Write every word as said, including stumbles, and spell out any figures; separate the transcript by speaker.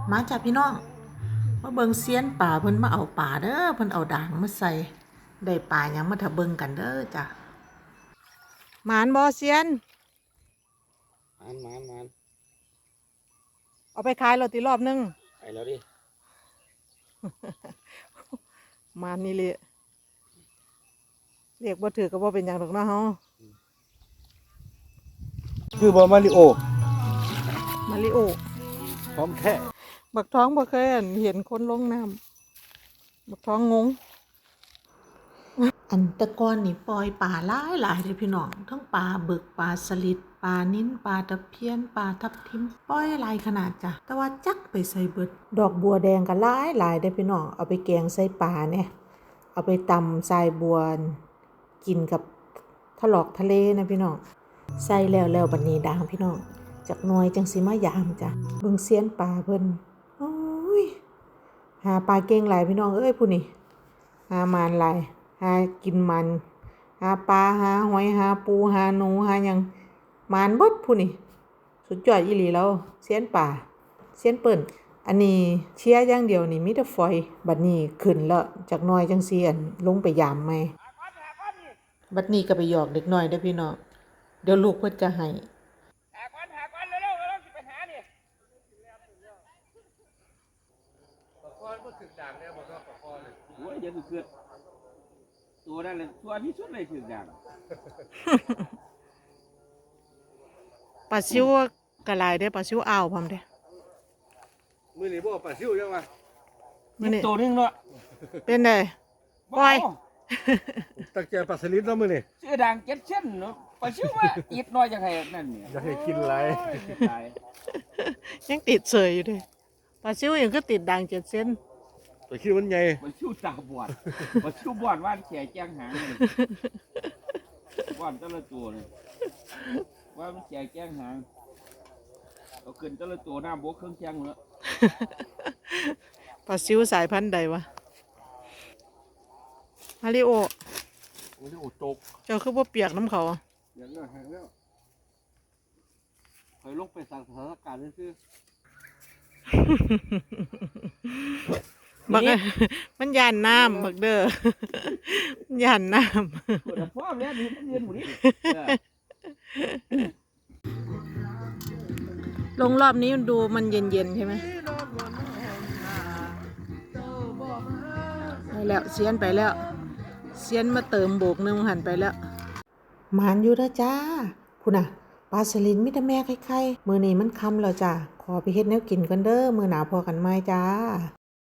Speaker 1: มาจากพี่น้องมาเบิ่งเซียนป่าเพิ่นมาเอาป่าเด้อเพิ่นเอาด่างมาใส่ได้ป่าหยังมาถ้าเบิ่งกันเด้อจ้ะหมานบ่เซียน
Speaker 2: มานมานมาน
Speaker 1: เอาไปขายแล้วติรอบนึง
Speaker 2: ไปแล้วดิ
Speaker 1: หมานนี่เลยเรียกบ่ถือก็บ่เป็นหยังดอกเนาะเฮา
Speaker 2: คือบอมาริโอ
Speaker 1: มาริโอ
Speaker 2: พร้อมแค่
Speaker 1: บักท้องบ่เคยเห็นคนลงน้ำบักท้องงงอันตะกอนนี่ปล่อยปลาหลายหลายเด้อพี่น้องทั้งปลาบึกปลาสลิดปลานิ้นปลาตะเพียนปลาทับทิมปล่อยหลายขนาดจ้ะแต่ว่าจักไปใส่เบิดดอกบัวแดงก็หลายหลายเด้อพี่น้องเอาไปแกงใส่ปลาเนี่ยเอาไปตำทรายบัวกินกับทะลอกทะเลนะพี่น้องใส่แล้วแล้วบัดนี้ด่างพี่น้องจากหน่วยจังสิมายามจ้ะเบิ่งเซียนปลาเพิ่นโอ้ยหาปลาเก่งหลายพี่น้องเอ้ยผู้นี่หามานหลายหากินมันหาปลาหาหอยหาปูหาหนูหาหยังมานเบิดผู้นี่สุดยอดอีหลีแล้วเซียนป่าเซียนเปิ้นอันนี้เชียร์อย่างเดียวนี่มีแต่ฝอยบัดนี้ขึ้นแล้วจากหน่อยจังซี่อันลงไปยามใหม่บัดนี้ก็ไปหยอกเด็กน้อยเด้อพี่น้องเดี๋ยวลูกเพิ่นจะให้
Speaker 3: หาก้อนหาก้อนเร็วๆเร็วๆสิไปหานี่ปะคอนก็ถึงด่างแล้วบ่ก็ปะคอนเลยโอ้ยเดี๋ยวเกิดตัวนั่นเลยตัวที่สุดเลยถึงด่าง
Speaker 1: ปลาซิวกระลายได้ปลาซิวอ่าวพร้อมเด้
Speaker 3: มื้อนี้บ่ปลาซิวจังวะ
Speaker 1: มื้อนี้
Speaker 3: ตัวนึงเนาะ
Speaker 1: เป็นไดปล่อย
Speaker 2: ตั้งใจปลาสลิดแล้วมื้อนี่
Speaker 3: ชื่อด่างเจ็ดเส้นเนาะปลาซิวว่าอีกน้อยจังไห้นั่นเนี่ย
Speaker 2: อยากให้กินหลาย
Speaker 1: ยังติดเสยอยู่เด้ปลาซิวยังคือติดด่างเจ็ดเส้น
Speaker 2: ตัวคิดมันใหญ่
Speaker 3: ปลาซิวตาบอดปลาซิวบอดว่านแขแจ้งหางบอดแต่ละตัวเลยว่ามันแขแจ้งหางเอาขึ้นแต่ละตัวน้ำบกเครื่องแจ้งเนาะ
Speaker 1: ปลาซิวสายพันธุ์ใดวะมาริโอ
Speaker 2: มาริโอตก
Speaker 1: เจ้าคือบ่เปียกน้ำเขา
Speaker 2: อย่างนั้นแห้งแล้วเคยลงไปสั่งสถานการณ์นี่คือ
Speaker 1: บักมันยานน้ำบักเด้อมันยานน้ำ
Speaker 3: ปวดท้องแล้วนี่มันเรียนหมดนี่
Speaker 1: ลงรอบนี้มันดูมันเย็นๆใช่ไหมไปแล้วเซียนไปแล้วเซียนมาเติมโบกนึงหันไปแล้วหมานอยู่แล้วจ้าพูน่ะปลาสลิดมิตรแม่ไข่ๆมื้อนี้มันค่ำแล้วจ้าขอไปเฮ็ดแนวกินกันเด้อมื้อหน้าพอกันใหม่จ้า